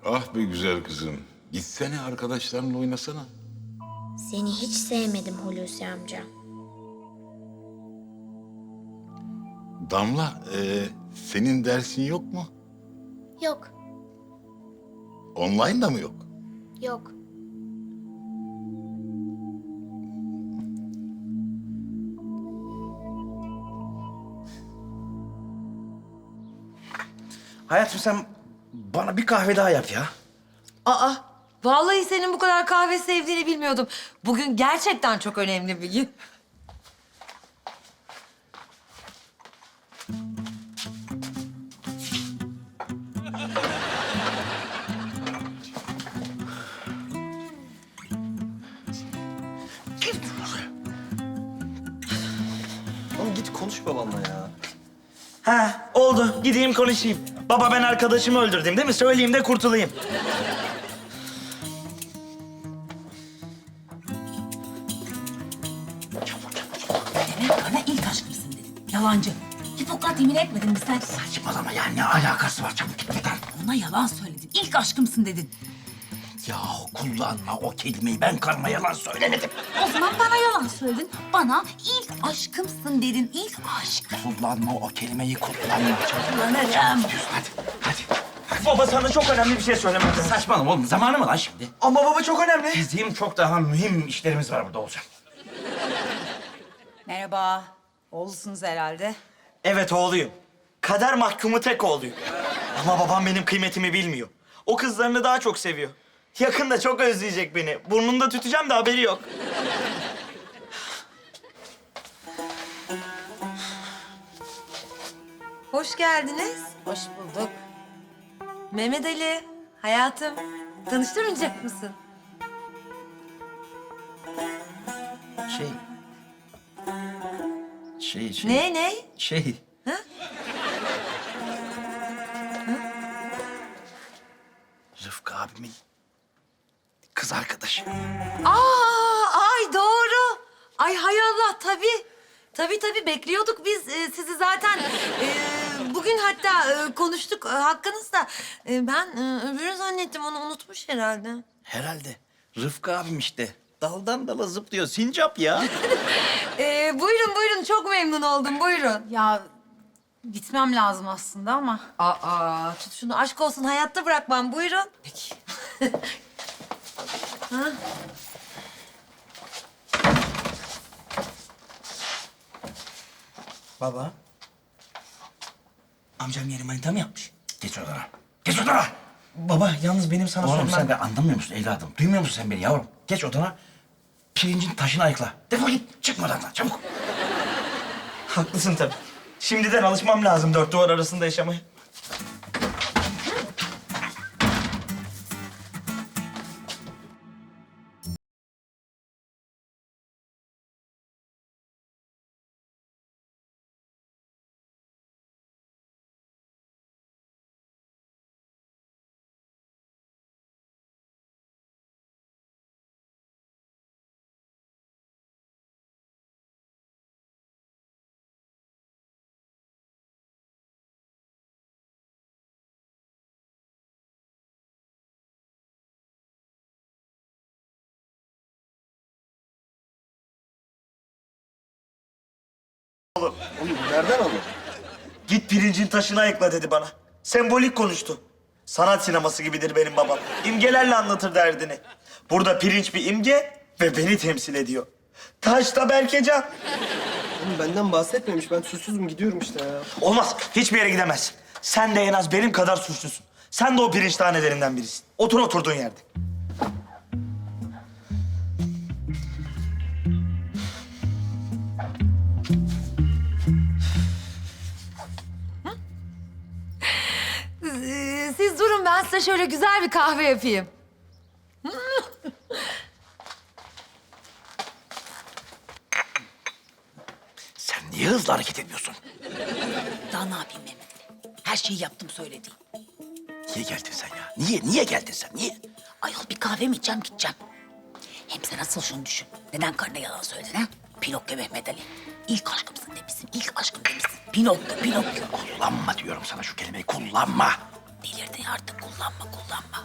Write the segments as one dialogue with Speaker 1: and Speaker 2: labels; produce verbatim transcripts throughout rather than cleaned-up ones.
Speaker 1: Ah be güzel kızım. Gitsene arkadaşlarınla oynasana.
Speaker 2: Seni hiç sevmedim Hulusi amca.
Speaker 1: Damla, e, senin dersin yok mu?
Speaker 2: Yok,
Speaker 1: Online da mı yok?
Speaker 2: yok.
Speaker 3: Hayatım sen bana bir kahve daha yap ya.
Speaker 4: Aa, vallahi senin bu kadar kahve sevdiğini bilmiyordum. Bugün gerçekten çok önemli bir gün.
Speaker 3: Oğlum git konuş babanla ya. Ha oldu. Gideyim konuşayım. Baba ben arkadaşımı öldürdüm değil mi? Söyleyeyim de kurtulayım.
Speaker 5: Bana ilk aşkımsın dedin. Yalancı. Hipokrat yemin etmedin mi sen?
Speaker 3: Saçmalama ya ne alakası var çabuk git buradan.
Speaker 5: Ona yalan söyledin. İlk aşkımsın dedin.
Speaker 3: Yahu kullanma o kelimeyi ben karıma yalan söylemedim.
Speaker 5: O zaman bana yalan söyledin. Bana ilk aşkımsın dedin. İlk aşk.
Speaker 3: Kullanma o kelimeyi kullanma. Çabuk,
Speaker 5: Kullanırım.
Speaker 3: çabuk gidiyorsun hadi hadi. Baba sana çok önemli bir şey söylemem lazım. Saçmalama oğlum zamanı mı lan şimdi? Ama baba çok önemli. Bizim çok daha mühim işlerimiz var burada olacak.
Speaker 6: Merhaba. Oğlusunuz herhalde.
Speaker 3: Evet oğluyum. Kader mahkumu tek oğluyum. Ama babam benim kıymetimi bilmiyor. O kızlarını daha çok seviyor. Yakında çok özleyecek beni. Burnunda tüteceğim de haberi yok.
Speaker 4: Hoş geldiniz.
Speaker 6: Hoş bulduk.
Speaker 4: Mehmet Ali, hayatım. Tanıştırmayacak mısın?
Speaker 3: Şey... Şey, şey...
Speaker 4: Ne, ne?
Speaker 3: Şey...
Speaker 4: Ha?
Speaker 3: Rıfkı abimin kız arkadaşı.
Speaker 4: Aa, ay doğru. Ay hay Allah, tabii. Tabii tabii bekliyorduk biz e, sizi zaten. E, bugün hatta e, konuştuk e, hakkınızda. E, ben e, öbürü zannettim, onu unutmuş herhalde.
Speaker 3: Herhalde. Rıfkı abim işte. Daldan dala zıplıyor. Sincap ya.
Speaker 4: E, buyurun buyurun, çok memnun oldum, buyurun.
Speaker 6: Ya gitmem lazım aslında ama.
Speaker 4: Aa, tut şunu, aşk olsun, hayatta bırakmam, buyurun.
Speaker 6: Peki.
Speaker 3: Baba. Amcam yeni manita mı yapmış? Geç odana. Geç odana. Baba yalnız benim sana Oğlum sen de anlamıyor musun evladım? Duymuyor musun sen beni yavrum? Geç odana. Pirincin taşını ayıkla. Defol git. Çıkma odandan çabuk. Haklısın tabii. Şimdiden alışmam lazım dört duvar arasında yaşamaya.
Speaker 7: Nereden aldın?
Speaker 3: Git pirincin taşını ayıkla dedi bana. Sembolik konuştu. Sanat sineması gibidir benim babam. İmgelerle anlatır derdini. Burada pirinç bir imge ve beni temsil ediyor. Taş da Berkecan.
Speaker 7: Oğlum benden bahsetmemiş. Ben suçsuzum gidiyorum işte ya.
Speaker 3: Olmaz. Hiçbir yere gidemezsin. Sen de en az benim kadar suçlusun. Sen de o pirinç tanelerinden birisin. Otur oturduğun yerde.
Speaker 4: Ee, siz durun, ben size şöyle güzel bir kahve yapayım.
Speaker 3: Sen niye hızlı hareket ediyorsun?
Speaker 5: Daha ne yapayım Mehmet Ali? Her şeyi yaptım söylediğin.
Speaker 3: Niye geldin sen ya? Niye? Niye geldin sen? Niye?
Speaker 5: Ayol bir kahve mi içeceğim gideceğim. Hem sen asıl şunu düşün. Neden karına yalan söyledin ha? Pinokyo Mehmet Ali. İlk aşkımsın demişsin. İlk aşkım demişsin. Pinokyo, Pinokyo.
Speaker 3: Kullanma diyorum sana şu kelimeyi. Kullanma.
Speaker 5: delirdin artık kullanma kullanma.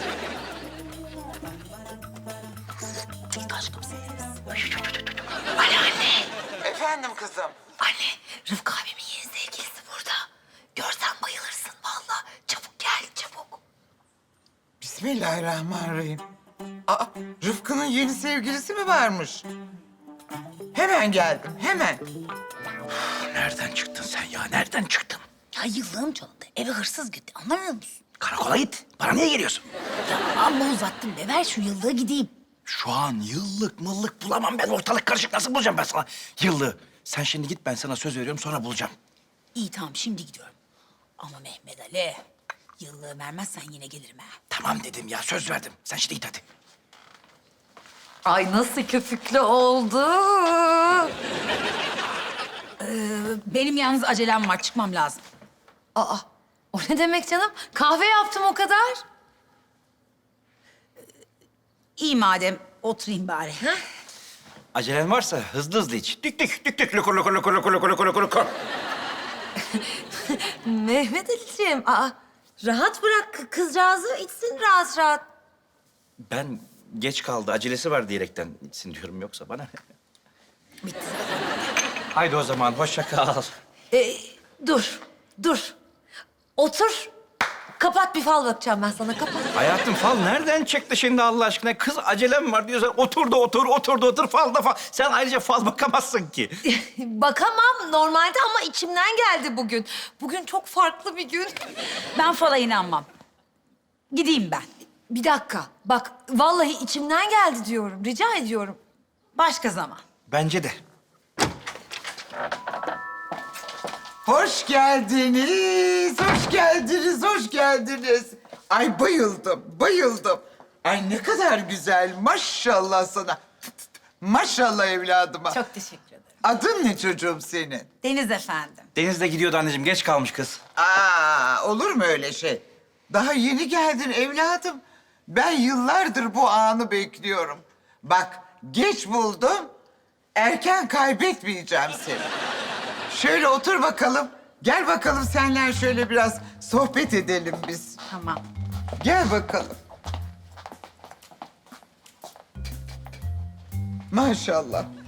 Speaker 5: İlk aşkım seniniz. Ali anne.
Speaker 8: Efendim kızım.
Speaker 5: Anne Rıfkı abimin yeni sevgilisi burada. Görsen bayılırsın vallahi. Çabuk gel çabuk.
Speaker 8: Bismillahirrahmanirrahim. Aa, Rıfkı'nın yeni sevgilisi mi varmış? Hemen geldim, hemen.
Speaker 3: Nereden çıktın sen ya? Nereden çıktın?
Speaker 5: Ya yıllığım çalındı. Eve hırsız gitti. Anlamıyor musun?
Speaker 3: Karakola git. Bana niye geliyorsun?
Speaker 5: Ya amma uzattın be. Ver şu yıllığı gideyim.
Speaker 3: Şu an yıllık mıllık bulamam ben. Ortalık karışık. Nasıl bulacağım ben sana yıllığı? Sen şimdi git, ben sana söz veriyorum, sonra bulacağım.
Speaker 5: İyi tamam şimdi gidiyorum. Ama Mehmet Ali yıllığı vermezsen yine gelirim ha.
Speaker 3: Tamam dedim ya, söz verdim. Sen şimdi git hadi.
Speaker 4: Ay nasıl köpüklü oldu.
Speaker 6: Benim yalnız acelem var. Çıkmam lazım.
Speaker 4: Aa, o ne demek canım? Kahve yaptım o kadar.
Speaker 6: İyi madem oturayım bari.
Speaker 3: Acelen varsa hızlı hızlı iç. Dük dük dük dük lukur lukur lukur lukur lukur lukur lukur lukur.
Speaker 4: Mehmet Ali'ciğim, aa, rahat bırak kı- kızcağızı içsin rahat rahat.
Speaker 3: Ben geç kaldı, acelesi var diyerekten içsin diyorum, yoksa bana.
Speaker 5: Bitti.
Speaker 3: Haydi o zaman, hoşça kal.
Speaker 4: Ee, dur, dur. Otur. Kapat, bir fal bakacağım ben sana, kapat.
Speaker 3: Hayatım, fal nereden çıktı şimdi Allah aşkına? Kız acelem var diyorsan otur da otur, otur da otur, fal da fal. Sen ayrıca fal bakamazsın ki.
Speaker 4: Bakamam normalde ama içimden geldi bugün. Bugün çok farklı bir gün.
Speaker 6: Ben fala inanmam. Gideyim ben.
Speaker 4: Bir dakika, bak vallahi içimden geldi diyorum, rica ediyorum.
Speaker 6: Başka zaman.
Speaker 3: Bence de.
Speaker 8: Hoş geldiniz, hoş geldiniz, hoş geldiniz. Ay bayıldım, bayıldım. Ay ne kadar güzel, maşallah sana. Maşallah evladıma.
Speaker 6: Çok teşekkür ederim.
Speaker 8: Adın ne çocuğum senin?
Speaker 6: Deniz efendim.
Speaker 3: Deniz de gidiyordu anneciğim, geç kalmış kız.
Speaker 8: Aa, olur mu öyle şey? Daha yeni geldin evladım. Ben yıllardır bu anı bekliyorum. Bak, geç buldum, erken kaybetmeyeceğim seni. Şöyle otur bakalım. Gel bakalım senle şöyle biraz sohbet edelim biz.
Speaker 6: Tamam.
Speaker 8: Gel bakalım. Maşallah.